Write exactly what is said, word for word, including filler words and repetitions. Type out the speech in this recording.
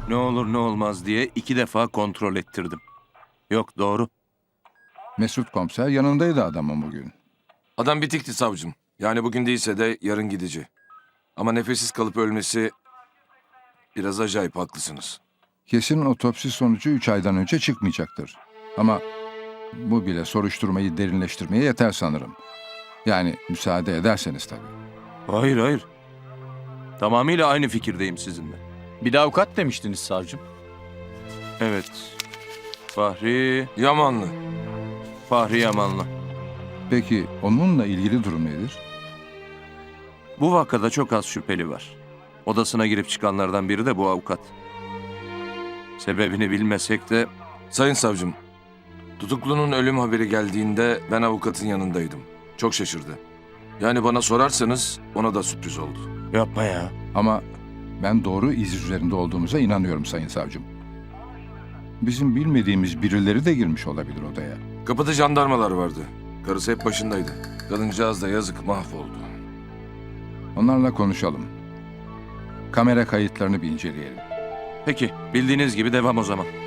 Ne olur ne olmaz diye iki defa kontrol ettirdim. Yok, doğru. Mesut komiser yanındaydı adamın bugün. Adam bitikti savcım. Yani bugün değilse de yarın gidici. Ama nefessiz kalıp ölmesi biraz acayip, haklısınız. Kesin otopsi sonucu üç aydan önce çıkmayacaktır. Ama bu bile soruşturmayı derinleştirmeye yeter sanırım. Yani müsaade ederseniz tabii. Hayır hayır. Tamamıyla aynı fikirdeyim sizinle. Bir de avukat demiştiniz savcım. Evet. Fahri, Yamanlı. Fahri Yamanlı. Peki onunla ilgili durum nedir? Bu vakada çok az şüpheli var. Odasına girip çıkanlardan biri de bu avukat. Sebebini bilmesek de Sayın savcım, tutuklunun ölüm haberi geldiğinde ben avukatın yanındaydım. Çok şaşırdı. Yani bana sorarsanız ona da sürpriz oldu. yapma ya. Ama ben doğru iz üzerinde olduğumuza inanıyorum sayın savcım. Bizim bilmediğimiz birileri de girmiş olabilir odaya. Kapıda jandarmalar vardı. Karısı hep başındaydı. Kadıncağız da yazık mahvoldu. Onlarla konuşalım. Kamera kayıtlarını bir inceleyelim. Peki, bildiğiniz gibi devam o zaman.